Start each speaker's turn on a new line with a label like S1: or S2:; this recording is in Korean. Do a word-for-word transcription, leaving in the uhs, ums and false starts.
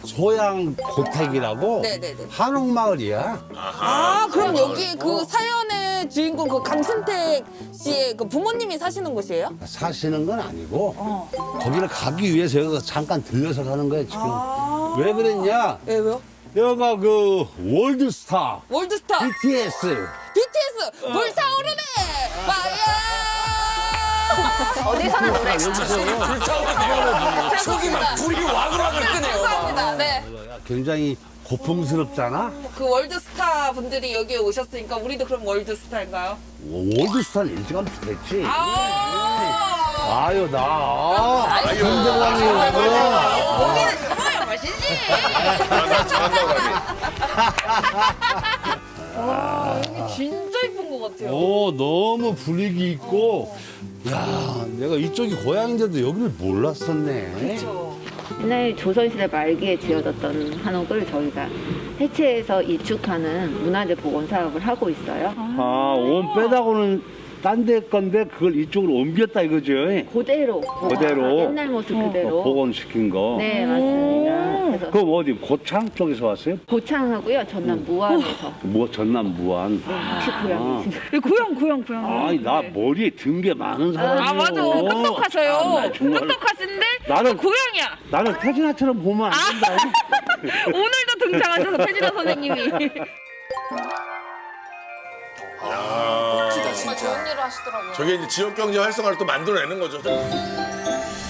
S1: 소양 고택이라고
S2: 네네네.
S1: 한옥마을이야.
S2: 아, 그럼 여기 그 사연의 주인공 그 강순택 씨의 그 부모님이 사시는 곳이에요?
S1: 사시는 건 아니고 거기를 가기 위해서 여기서 잠깐 들려서 가는 거야 지금. 왜 그랬냐?
S2: 예, 왜요?
S1: 여기가 그 월드스타
S2: 월드스타
S1: 비티에스
S2: 비티에스 불타오르네 파이어
S3: 어디서나 노래.
S2: 속이 막
S4: 불이 와글와글 끄네요.
S2: 감사합니다. 네.
S1: 굉장히 고풍스럽잖아.
S2: 그 월드스타 분들이 여기 오셨으니까 우리도 그럼 월드스타인가요?
S1: 월드스타는 일찌감치 됐지.
S2: 아,
S1: 아유 나 김정환이고.
S2: 고기는 잡아야 맛있지. 와, 여기 진짜 이쁜 것 같아요.
S1: 오 너무 분위기 있고. 야 내가 이쪽이 고향인데도 여기를 몰랐었네.
S2: 그렇죠.
S3: 옛날 조선시대 말기에 지어졌던 한옥을 저희가 해체해서 이축하는 문화재 복원 사업을 하고 있어요.
S1: 아원 빼다고는 딴 데 건데 그걸 이쪽으로 옮겼다 이거죠?
S3: 그대로.
S1: 그대로?
S3: 옛날 모습 그대로.
S1: 어, 복원시킨 거.
S3: 네, 맞습니다. 그래서
S1: 그럼 어디 고창 쪽에서 왔어요?
S3: 고창하고요, 전남 무안에서.
S1: 뭐 전남 무안.
S3: 혹시 고향이신가요?
S5: 고향 고향 고향.
S1: 아니 나 머리에 든 게 많은 사람이에요.
S5: 아 맞아 똑똑하셔요.
S1: 아, 나 정말.
S5: 똑똑하신데
S1: 나는-
S5: 고향이야.
S1: 나는 태진아처럼 보면 안 된다.
S5: 오늘도 등장하셔서 태진아 선생님이.
S4: 야,
S2: 정말 좋은 일을 하시더라고요.
S4: 저게 이제 지역 경제 활성화를 또 만들어내는 거죠.